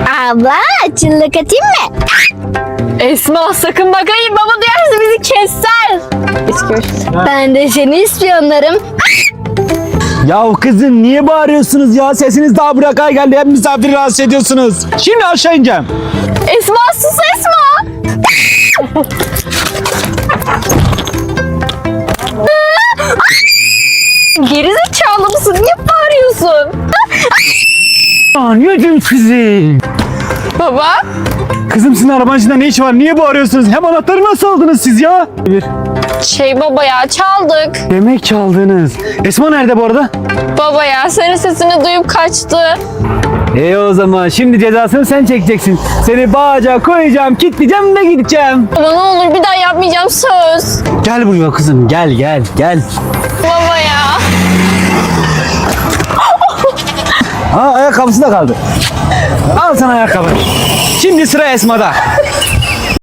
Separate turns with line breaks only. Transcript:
Abla çıllık atayım mı?
Esma sakın bakayım, baba duyarsa bizi keser.
Ben de seni ispiyonlarım.
Ya kızım niye bağırıyorsunuz ya? Sesiniz daha bırakay geldi. Hep misafiri rahatsız ediyorsunuz. Şimdi aşağı ineceğim.
Esma sus Esma. Gerizekalı mısın? Niye bağırıyorsun?
Anneciğim kızım.
Baba.
Kızım sizin arabanın içinde ne işi var? Niye bağırıyorsunuz? Hem anahtarı nasıl aldınız siz ya?
Baba ya çaldık.
Demek çaldınız. Esma nerede bu arada?
Baba ya senin sesini duyup kaçtı.
O zaman şimdi cezasını sen çekeceksin. Seni bağaca koyacağım, kilitleyeceğim ve gideceğim.
Baba ne olur bir daha yapmayacağım, söz.
Gel buraya kızım, gel.
Baba ya.
Ha ayakkabısı da kaldı. Al sana ayakkabı. Şimdi sıra Esma'da.